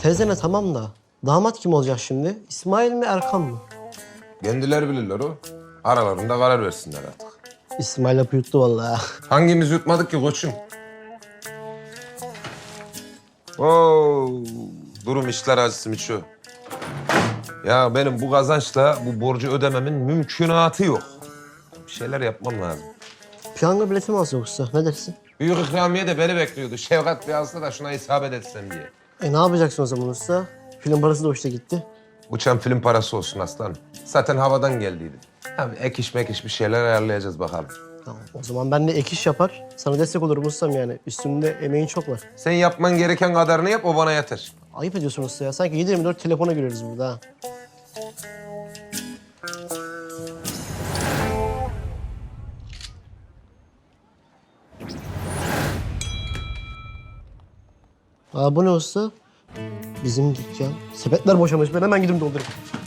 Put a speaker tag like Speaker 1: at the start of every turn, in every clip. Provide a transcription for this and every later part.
Speaker 1: Teyzene tamam da damat kim olacak şimdi? İsmail mi Erkan mı?
Speaker 2: Kendileri bilirler o. Aralarında karar versinler artık.
Speaker 1: İsmail lafı yuttu vallahi.
Speaker 2: Hangimiz yutmadık ki koçum? Oo, durum işler acısı Miço. Ya benim bu kazançla bu borcu ödememin mümkünatı yok. Bir şeyler yapmam lazım.
Speaker 1: Piyango bileti mi alsa yoksa? Ne dersin?
Speaker 2: Büyük ikramiye de beni bekliyordu. Şevkat bir alsa da şuna isabet etsem diye.
Speaker 1: Ne yapacaksın o zaman usta? Film parası da hoşta gitti.
Speaker 2: Uçan film parası olsun aslanım. Zaten havadan geldiydi. Abi ek iş mek iş bir şeyler ayarlayacağız bakalım.
Speaker 1: Tamam. O zaman ben de ek iş yapar. Sana destek olurum ustam yani. Üstümde emeğin çok var.
Speaker 2: Sen yapman gereken kadarını yap, o bana yeter.
Speaker 1: Ayıp ediyorsun usta ya. Sanki 7/24 telefona giriyoruz burada ha. Aa bu ne usta? Bizim dükkan. Sepetler boşamış. Ben hemen gidip doldurayım.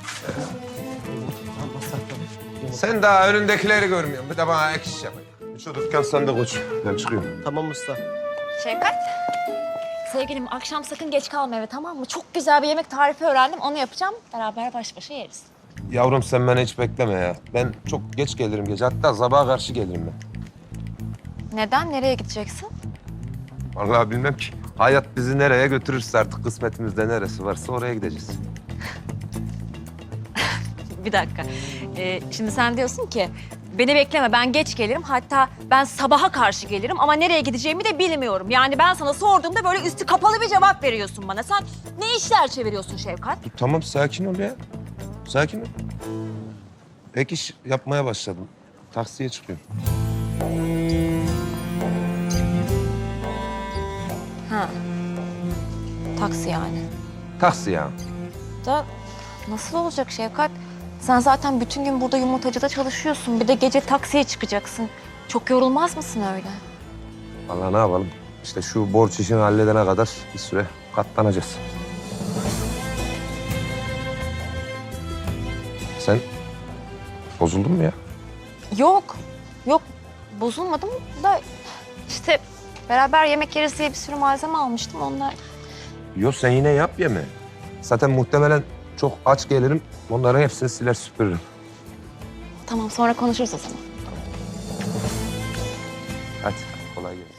Speaker 2: Sen daha önündekileri görmüyorsun. Bir de bana ek iş yap. Şu dükkan sende koç. Ben çıkıyorum.
Speaker 1: Tamam usta.
Speaker 3: Şevkat. Sevgilim akşam sakın geç kalma eve, tamam mı? Çok güzel bir yemek tarifi öğrendim. Onu yapacağım. Beraber baş başa yeriz.
Speaker 2: Yavrum sen beni hiç bekleme ya. Ben çok geç gelirim gece. Hatta sabaha karşı gelirim ben.
Speaker 3: Neden? Nereye gideceksin?
Speaker 2: Vallahi bilmem ki. Hayat bizi nereye götürürse artık kısmetimizde neresi varsa oraya gideceğiz.
Speaker 3: Bir dakika. Şimdi sen diyorsun ki beni bekleme, ben geç gelirim. Hatta ben sabaha karşı gelirim ama nereye gideceğimi de bilmiyorum. Yani ben sana sorduğumda böyle üstü kapalı bir cevap veriyorsun bana. Sen ne işler çeviriyorsun Şevkat?
Speaker 2: Tamam sakin ol ya. Sakin ol. Ek iş yapmaya başladım. Taksiye çıkıyorum.
Speaker 3: Ha. Taksi yani.
Speaker 2: Taksi ya.
Speaker 3: Da nasıl olacak Şevkat? Sen zaten bütün gün burada yumurtacıda çalışıyorsun. Bir de gece taksiye çıkacaksın. Çok yorulmaz mısın öyle?
Speaker 2: Vallahi ne yapalım? İşte şu borç işini halledene kadar bir süre katlanacağız. Sen bozuldun mu ya?
Speaker 3: Yok. Yok. Bozulmadım da işte beraber yemek yeriz diye bir sürü malzeme almıştım onlar.
Speaker 2: Yok sen yine yap yeme. Zaten muhtemelen çok aç gelirim. Onların hepsini siler süpürürüm.
Speaker 3: Tamam, sonra konuşuruz o zaman.
Speaker 2: Hadi kolay gelsin.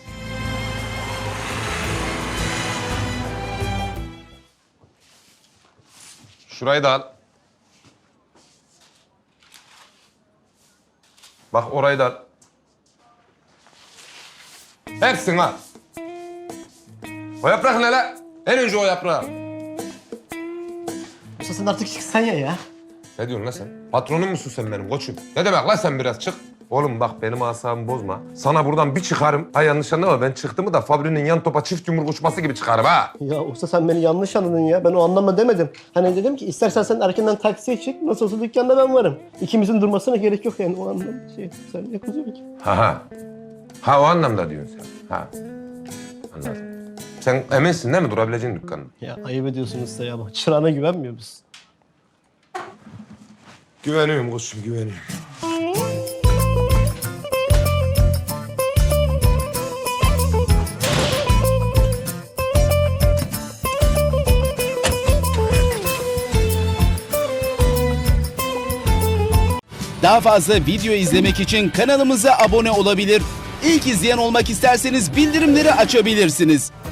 Speaker 2: Şurayı da al. Bak orayı da al. Hepsini al. O yaprak ne la? En önce o yaprağı al.
Speaker 1: Usta sen artık çıksan ya.
Speaker 2: Ne diyorsun lan sen? Patronum musun sen benim koçum? Ne demek lan sen biraz çık. Oğlum bak benim asabımı bozma. Sana buradan bir çıkarım. Ha yanlış anlama, ben çıktım mı da fabrinin yan topa çift yumruk uçması gibi çıkarım ha.
Speaker 1: Ya usta sen beni yanlış anladın ya. Ben o anlamda demedim. Hani dedim ki istersen sen erkenden taksiye çık. Nasıl olsa dükkanda ben varım. İkimizin durmasına gerek yok yani o anlamda. Sen ne kızıyorsun ki?
Speaker 2: Ha. Ha o anlamda diyorsun sen. Ha. Anladım. Sen eminsin değil mi durabileceğin dükkanın?
Speaker 1: Ya ayıp ediyorsun usta ya. Bak çırağına güvenmiyor musun?
Speaker 2: Güveniyorum koçum, güveniyorum.
Speaker 4: Daha fazla video izlemek için kanalımıza abone olabilir. İlk izleyen olmak isterseniz bildirimleri açabilirsiniz.